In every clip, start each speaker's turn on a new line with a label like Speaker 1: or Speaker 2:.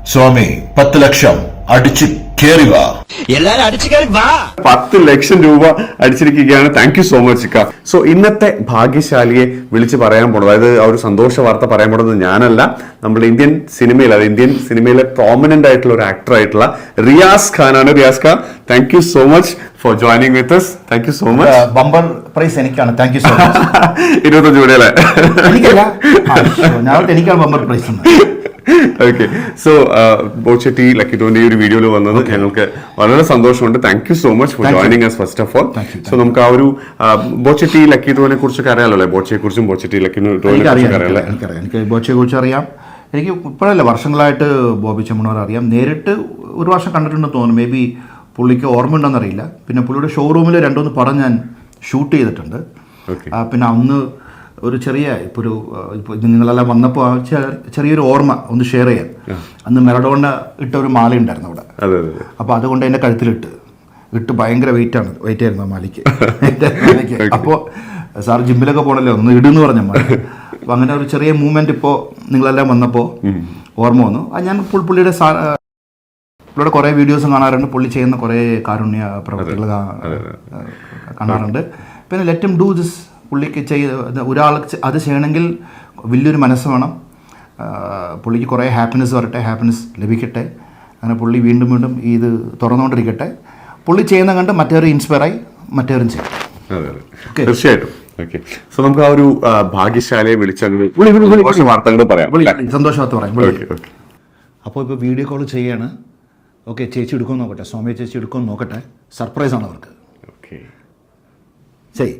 Speaker 1: സ്വാമി 10 ലക്ഷം അടിച്ചു കേറി വാ.
Speaker 2: എല്ലാരും അടിച്ചു കയറി വാ.
Speaker 3: 10 ലക്ഷം രൂപ അടിച്ചിരിക്കുകയാണ്. താങ്ക് യു സോ മച്ച് ഇക്ക. സോ ഇന്നത്തെ ഭാഗ്യശാലിയെ വിളിച്ച് പറയാൻ പോണത്, അതായത് ആ ഒരു സന്തോഷ വാർത്ത പറയാൻ പോണത് ഞാനല്ല, നമ്മുടെ ഇന്ത്യൻ സിനിമയിൽ, അത് ഇന്ത്യൻ സിനിമയിലെ പ്രോമിനന്റ് ആയിട്ടുള്ള ഒരു ആക്ടർ ആയിട്ടുള്ള റിയാസ് ഖാനാണ്. Riyas Khan, thank you so much for joining with us. Thank you so much.
Speaker 4: Bumper prize എനിക്കാണ്. Thank you so much.
Speaker 3: 25 കോടിയല്ലേ?
Speaker 4: എനിക്കല്ല, എനിക്കാണ് ബമ്പർ പ്രൈസ്.
Speaker 3: ഓക്കെ. സോ ബോച്ചെട്ടി ലക്കി ടോന്റെ ഈ ഒരു വീഡിയോയിൽ വന്നത് ഞങ്ങൾക്ക് വളരെ സന്തോഷമുണ്ട്. Thank you so much for joining us first of all. So നമുക്ക് ആ ഒരു ബോച്ചെട്ടി ലക്കി ടോനെ കുറിച്ചൊക്കെ അറിയാലോ, ബോച്ചയെ കുറിച്ചും ബോച്ചെട്ടി ലക്കി ടോനെ കുറിച്ചും അറിയാലോ.
Speaker 4: എനിക്ക് ബോച്ചയെ കുറിച്ച് അറിയാം. എനിക്ക് ഇപ്പോഴല്ല, വർഷങ്ങളായിട്ട് ബോബി ചെമ്മണ്ണൂർ അറിയാം. നേരിട്ട് ഒരു വർഷം കണ്ടിട്ടുണ്ടെന്ന് തോന്നുന്നു. മേ ബി പുള്ളിക്ക് ഓർമ്മ ഉണ്ടെന്നറിയില്ല. പിന്നെ പുള്ളിയുടെ ഷോറൂമിൽ 2-3 പടം ഞാൻ ഷൂട്ട് ചെയ്തിട്ടുണ്ട്. പിന്നെ അന്ന് ഒരു ചെറിയ ഇപ്പോൾ നിങ്ങളെല്ലാം വന്നപ്പോൾ ചെറിയൊരു ഓർമ്മ ഒന്ന് ഷെയർ ചെയ്യാൻ. അന്ന് മെറഡോണ ഇട്ട ഒരു മാല ഉണ്ടായിരുന്നു അവിടെ. അപ്പോൾ അതുകൊണ്ട് എൻ്റെ കഴുത്തിലിട്ട് ഭയങ്കര വെയിറ്റ് ആയിരുന്നു ആ മാലയ്ക്ക്. അപ്പോൾ സാർ ജിമ്മിലൊക്കെ പോകണല്ലോ, ഒന്ന് ഇടുന്ന് പറഞ്ഞ മാല. അപ്പോൾ അങ്ങനെ ഒരു ചെറിയ മൂവ്മെൻറ്റ് ഇപ്പോൾ നിങ്ങളെല്ലാം വന്നപ്പോൾ ഓർമ്മ വന്നു. ഞാൻ പുള്ളിയുടെ കുറേ വീഡിയോസും കാണാറുണ്ട്. പുള്ളി ചെയ്യുന്ന കുറേ കാരുണ്യ പ്രവർത്തികൾ കാണാറുണ്ട്. പിന്നെ ലെറ്റ് ഹിം ഡു ദിസ്. പുള്ളിക്ക് ഒരാൾക്ക് അത് ചെയ്യണമെങ്കിൽ വലിയൊരു മനസ്സ് വേണം. പുള്ളിക്ക് കുറേ ഹാപ്പിനെസ് വരട്ടെ, ഹാപ്പിനെസ് ലഭിക്കട്ടെ. അങ്ങനെ പുള്ളി വീണ്ടും വീണ്ടും ഇത് തുറന്നുകൊണ്ടിരിക്കട്ടെ. പുള്ളി ചെയ്യുന്ന കണ്ട് മറ്റേവരും ഇൻസ്പയറായി മറ്റേവരും ചെയ്യും.
Speaker 3: തീർച്ചയായിട്ടും. ഓക്കെ. സോ നമുക്ക് ആ ഒരു ഭാഗ്യശാലയെ വിളിച്ചങ്ങ് വാർത്തകൾ പറയാം,
Speaker 4: സന്തോഷ വാർത്ത പറയാം. അപ്പോൾ ഇപ്പോൾ വീഡിയോ കോൾ ചെയ്യാണ്. ഓക്കെ, ചേച്ചി എടുക്കുമെന്ന് നോക്കട്ടെ, സ്വാമി ചേച്ചി എടുക്കുമെന്ന് നോക്കട്ടെ. സർപ്രൈസാണ് അവർക്ക്.
Speaker 3: ഓക്കെ,
Speaker 4: ശരി.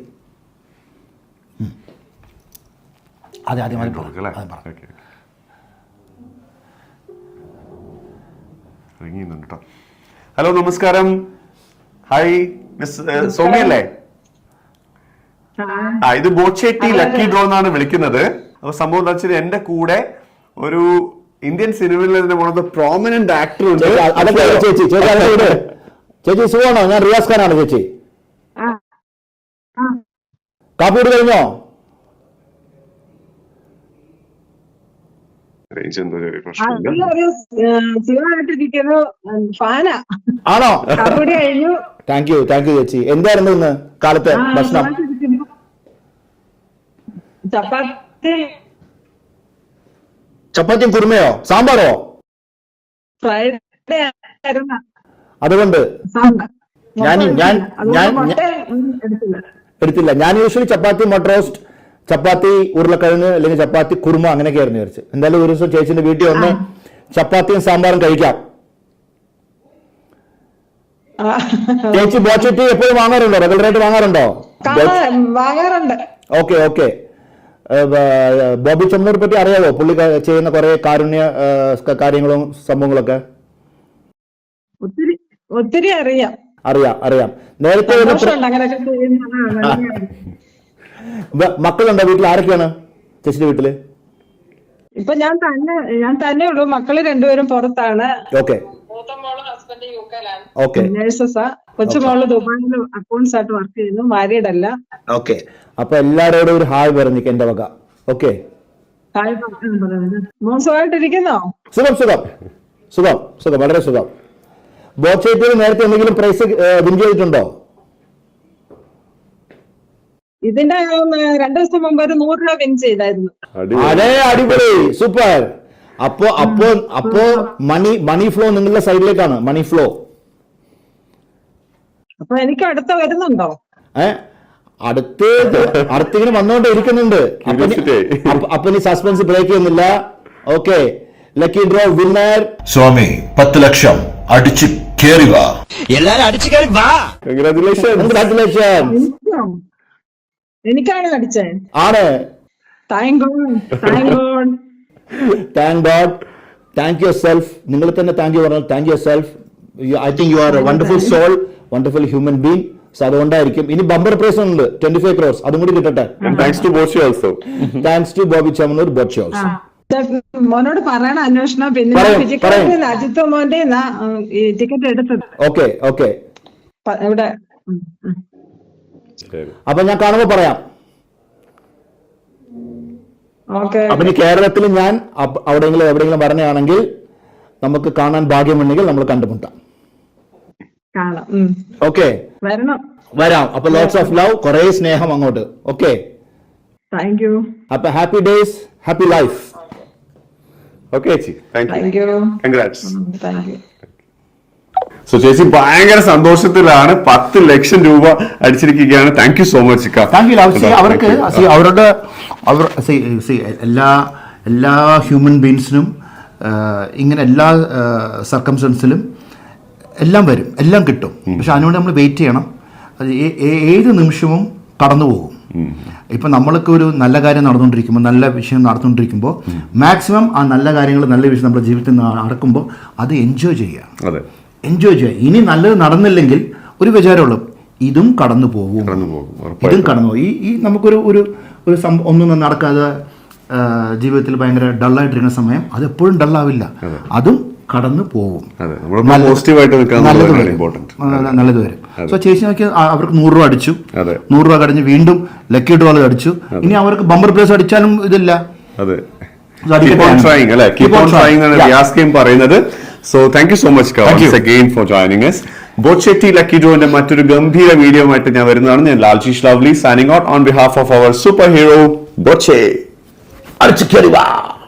Speaker 4: അതെ, ആദ്യം
Speaker 3: ഹലോ, നമസ്കാരം. ഹായ്, മിസ് സോമി അല്ലേ? ഇത് ബോച്ചെട്ടി ലക്കി ഡ്രോ എന്നാണ് വിളിക്കുന്നത്. അപ്പൊ സംഭവം എന്താ വെച്ചാൽ എന്റെ കൂടെ ഒരു ഇന്ത്യൻ സിനിമയിൽ തന്നെ പോണത് പ്രോമിനന്റ് ആക്ടർ ഉണ്ട്.
Speaker 5: ചേച്ചി സുഖമാണോ? ഞാൻ റിയാസ് ഖാനാണ്. ചേച്ചി കാപ്പി കഴിഞ്ഞോ? ആണോ? താങ്ക് യു ചേച്ചി. എന്തായിരുന്നു ഇന്ന് കാലത്തെ ഭക്ഷണം? ചപ്പാത്തിയും കുറുമയോ സാമ്പാറോ? അതുകൊണ്ട് ഞാൻ എടുത്തില്ല. ഞാൻ യൂഷ്വലി ചപ്പാത്തി മട്ട റോസ്റ്റ്, ചപ്പാത്തി ഉരുളക്കിഴങ്ങ്, അല്ലെങ്കിൽ ചപ്പാത്തി കുറുമ, അങ്ങനെയൊക്കെ ആയിരുന്നു വിചാരിച്ചു. എന്തായാലും ഒരു ദിവസം ചേച്ചിന്റെ വീട്ടിൽ വന്ന് ചപ്പാത്തിയും സാമ്പാറും കഴിക്കാം. ചേച്ചി ബോച്ചെട്ടി എപ്പോഴും വാങ്ങാറുണ്ടോ? റെഗുലറായിട്ട് വാങ്ങാറുണ്ടോ?
Speaker 6: വാങ്ങാറുണ്ട്.
Speaker 5: ഓക്കെ. ബോബി ചെമ്മണ്ണൂരെ പറ്റി അറിയാവോ? പുള്ളി ചെയ്യുന്ന കുറെ കാരുണ്യ കാര്യങ്ങളും സംഭവങ്ങളൊക്കെ
Speaker 6: ഒത്തിരി അറിയാം.
Speaker 5: നേരത്തെ മക്കളുണ്ടോ വീട്ടിൽ? ആരൊക്കെയാണ് ചേച്ചിയുടെ വീട്ടില്?
Speaker 6: ഇപ്പൊ ഞാൻ തന്നെ ഉള്ളൂ. മക്കള് 2 പുറത്താണ്.
Speaker 5: ഓക്കെ.
Speaker 6: മൂത്തമോള് ഹസ്ബൻഡ് യുകെയിലാണ്, നേഴ്സസാ. കൊച്ചുമോള് ദുബായിൽ അക്കൗണ്ട്സ് ആയിട്ട് വർക്ക് ചെയ്യുന്നു, മാരീഡ് അല്ല.
Speaker 5: ഓക്കെ. അപ്പൊ എല്ലാരോടും ഒരു ഹായ് പറഞ്ഞിക്ക് എന്റെ വക. ഓക്കെ.
Speaker 6: മോശമായിട്ടിരിക്കുന്നോ?
Speaker 5: സുഖം, വളരെ സുഖം. ബോച്ചെട്ടിയിൽ നേരത്തെ എന്തെങ്കിലും പ്രൈസ് വിൻ ചെയ്തിട്ടുണ്ടോ?
Speaker 6: ഇതിന്റെ 2 ദിവസം മുമ്പ് ഒരു 100 രൂപ വിൻ ചെയ്തായിരുന്നു.
Speaker 5: അടിപൊളി, സൂപ്പർ. അപ്പോ മണി ഫ്ലോ നിങ്ങളുടെ സൈഡിലേക്കാണ്. മണി ഫ്ലോ.
Speaker 6: അപ്പൊ എനിക്ക് അടുത്ത വരുന്നുണ്ടോ?
Speaker 5: അടുത്തിങ്ങനെ വന്നോണ്ടേ ഇരിക്കുന്നുണ്ട്. അപ്പൊ നീ സസ്പെൻസ് ബ്രേക്ക് ചെയ്യുന്നില്ല. ഓക്കെ. ലക്കി ഡ്രോ വിന്നർ
Speaker 1: സ്വാമി 10 ലക്ഷം അടിച്ചു കേറി വാ.
Speaker 2: എല്ലാരും അടിച്ചു കയറി വാ.
Speaker 5: കൺഗ്രാറ്റുലേഷൻ.
Speaker 6: എനിക്കാണ് അടിച്ചേ.
Speaker 5: ആണ്.
Speaker 6: Thank God.
Speaker 5: Thank yourself. നിങ്ങൾ തന്നെ താങ്ക് യു പറഞ്ഞു. Thank yourself. I think you are a wonderful soul, wonderful human being. So അതുകൊണ്ടായിരിക്കും. ഇനി ബമ്പർ പ്രൈസ് ഉണ്ട് 25 crores. അതും കൂടി കിട്ടട്ടെ.
Speaker 3: Thanks to Bochi also.
Speaker 5: Thanks to Bobby Chemmanur, Bochi also.
Speaker 6: മോനോട് പറയണ അന്വേഷണം. പിന്നെ അജിത്ത് മോന്റെ ടിക്കറ്റ് എടുത്തത്.
Speaker 5: ഓക്കെ.
Speaker 6: ഇവിടെ
Speaker 5: അപ്പൊ ഞാൻ കാണുമ്പോ പറയാം. അപ്പൊ ഇനി കേരളത്തിൽ ഞാൻ എവിടെയെങ്കിലും പറഞ്ഞാണെങ്കിൽ നമുക്ക് കാണാൻ ഭാഗ്യമുണ്ടെങ്കിൽ നമ്മൾ കണ്ടുമുട്ടാം.
Speaker 6: കാണാം.
Speaker 5: ഓക്കെ,
Speaker 6: വരണം.
Speaker 5: വരാം. അപ്പൊ ലോട്ട്സ് ഓഫ് ലവ്, കുറെ സ്നേഹം അങ്ങോട്ട്. Okay,
Speaker 6: thank you.
Speaker 5: അപ്പൊ happy days, happy life.
Speaker 3: Okay ചേച്ചി, thank
Speaker 6: thank
Speaker 3: you,
Speaker 6: you.
Speaker 3: Congrats.
Speaker 6: Thank you.
Speaker 3: So ചേച്ചി ഭയങ്കര സന്തോഷത്തിലാണ്, 10 ലക്ഷം രൂപ അടിച്ചിരിക്കുകയാണ്. താങ്ക് യു സോ മച്ച് ചിക്ക.
Speaker 4: Thank you love. അവർക്ക് അവരുടെ എല്ലാ ഹ്യൂമൻ ബീങ്സിനും ഇങ്ങനെ എല്ലാ സർക്കംസ്റ്റൻസിലും എല്ലാം വരും, എല്ലാം കിട്ടും. പക്ഷെ അതിനുവേണ്ടി നമ്മൾ വെയിറ്റ് ചെയ്യണം. അത് ഏത് നിമിഷവും കടന്നു പോകും. ഇപ്പം നമ്മൾക്ക് ഒരു നല്ല കാര്യം നടന്നുകൊണ്ടിരിക്കുമ്പോൾ, നല്ല വിഷയം നടന്നുകൊണ്ടിരിക്കുമ്പോൾ മാക്സിമം ആ നല്ല കാര്യങ്ങൾ, നല്ല വിഷയം നമ്മുടെ ജീവിതത്തിൽ നടക്കുമ്പോൾ അത് എൻജോയ് ചെയ്യുക, എൻജോയ് ചെയ്യുക. ഇനി നല്ലത് നടന്നില്ലെങ്കിൽ ഒരു വിചാരമുള്ളൂ, ഇതും കടന്നു പോകും, ഇതും കടന്നു പോകും. ഈ നമുക്കൊരു ഒരു ഒരു ഒന്നും നടക്കാതെ ജീവിതത്തിൽ ഭയങ്കര ഡള്ളായിട്ടിരിക്കുന്ന സമയം അത് എപ്പോഴും ഡള്ളാവില്ല, അതും കടന്നു പോകും. നല്ലത് വരും. സോ ചേച്ചി നോക്കി അവർക്ക് 100 രൂപ അടിച്ചു, 100 രൂപ കടിഞ്ഞ് വീണ്ടും ലക്കി ഡ്രോൾ അടിച്ചു. ഇനി അവർക്ക് ബമ്പർ പ്രൈസ് അടിച്ചാലും ഇതില്ല.
Speaker 3: പറയുന്നത്. So thank you so much again for joining us. ബോച്ചെട്ടി ലക്കി ഡ്രോന്റെ മറ്റൊരു ഗംഭീര വീഡിയോ ആയിട്ട് ഞാൻ വരുന്നതാണ്. ഞാൻ Laljeesh lovely signing out on behalf of our super hero Boche.
Speaker 5: അടിച്ചു കയറി വാ.